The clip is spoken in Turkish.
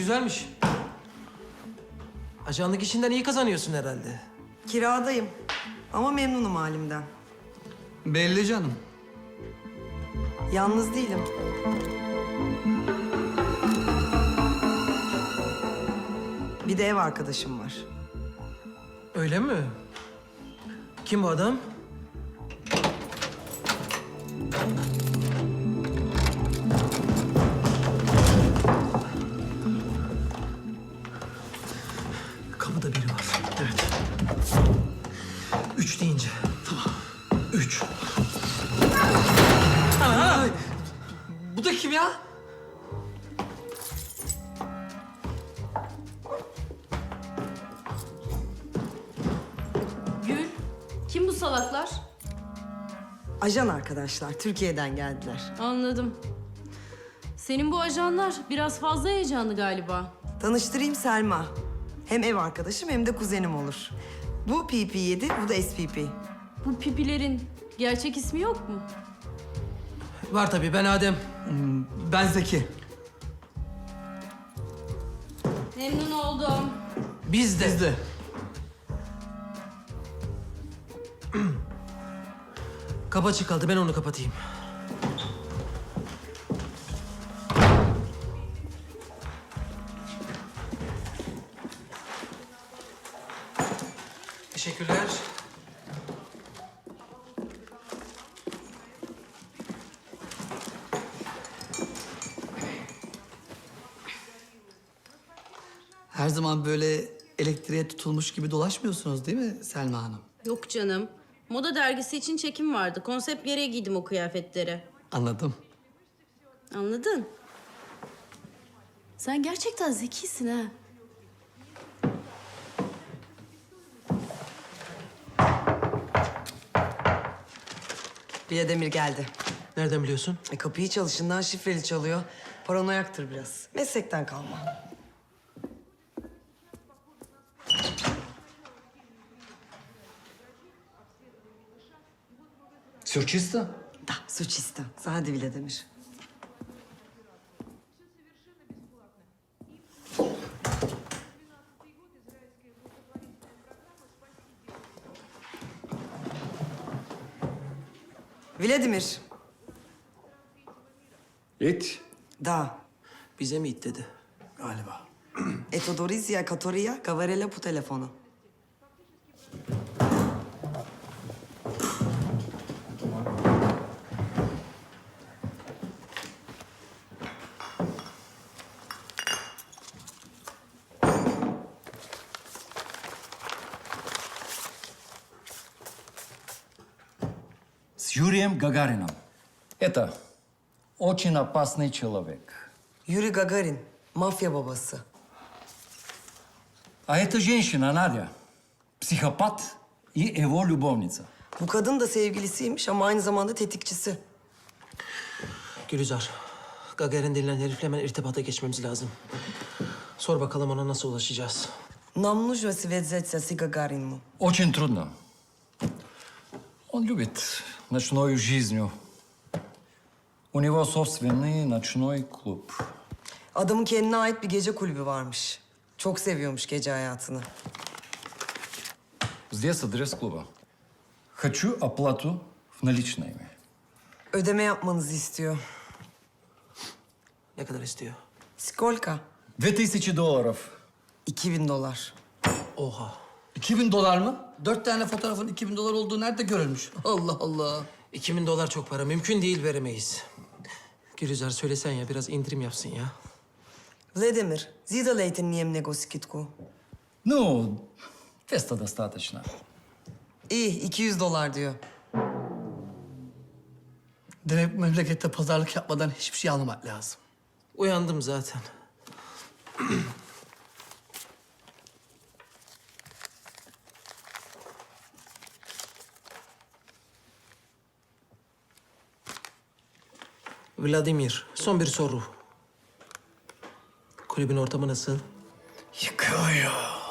güzelmiş. Ajanlık işinden iyi kazanıyorsun herhalde. Kiradayım ama memnunum halimden. Belli canım. Yalnız değilim. Bir de ev arkadaşım var. Öyle mi? Kim bu adam? Kapıda biri var. Evet. 3 deyince. Tamam. 3. Ana! Bu da kim ya? Gül, kim bu salaklar? Ajan arkadaşlar, Türkiye'den geldiler. Anladım. Senin bu ajanlar biraz fazla heyecanlı galiba. Tanıştırayım Selma. Hem ev arkadaşım hem de kuzenim olur. Bu PP7, bu da SPP. Bu pipilerin gerçek ismi yok mu? Var tabii, ben Adem. Ben Zeki. Memnun oldum. Biz de. Biz de. Kapı açık kaldı, ben onu kapatayım. Teşekkürler. Her zaman böyle elektriğe tutulmuş gibi dolaşmıyorsunuz değil mi Selma Hanım? Yok canım. Moda dergisi için çekim vardı. Konsept gereği giydim o kıyafetleri. Anladım. Anladın? Sen gerçekten zekisin ha. Biledemir geldi. Nereden biliyorsun? Kapıyı çalışından şifreli çalıyor. Paranoyaktır biraz. Meslekten kalma. Все чисто? Da, suçista. Sade Biledemir. Vladimir. It. Da. Bize mi it dedi? Galiba. Etodorizya Katoria Gavarela bu telefonu. С Юрием Гагарином. Это очень опасный человек. Yuri Gagarin. Mafya babası. А эта женщина, Надя, психопат и его любовница. Bu kadın da sevgilisiymiş ama aynı zamanda tetikçisi. Gülizar, Gagarin denilen herifle hemen irtibata geçmemiz lazım. Sor bakalım ona nasıl ulaşacağız. Нам нужно связаться с Гагарином. Очень трудно. Он любит ночную жизнь. У него собственный ночной клуб. Adamın kendine ait bir gece kulübü varmış. Çok seviyormuş gece hayatını. Здесь адрес клуба. Хочу оплату в наличными. Ödeme yapmanızı istiyor. Ne kadar istiyor? Skolka. $2000. 2000 dolar. Oha. 2000 dolar mı? 4 tane fotoğrafın 2000 dolar olduğu nerede görülmüş? Allah Allah. 2000 dolar çok para. Mümkün değil, veremeyiz. Gülizar söylesen ya, biraz indirim yapsın ya. Vladimir, сделайте мне много скидку. Ну, 200 достаточно. İyi, 200 dolar diyor. Demek memlekette pazarlık yapmadan hiçbir şey almamak lazım. Uyandım zaten. Vladimir, son bir soru. Kulübün ortamı nasıl? Yıkıyor.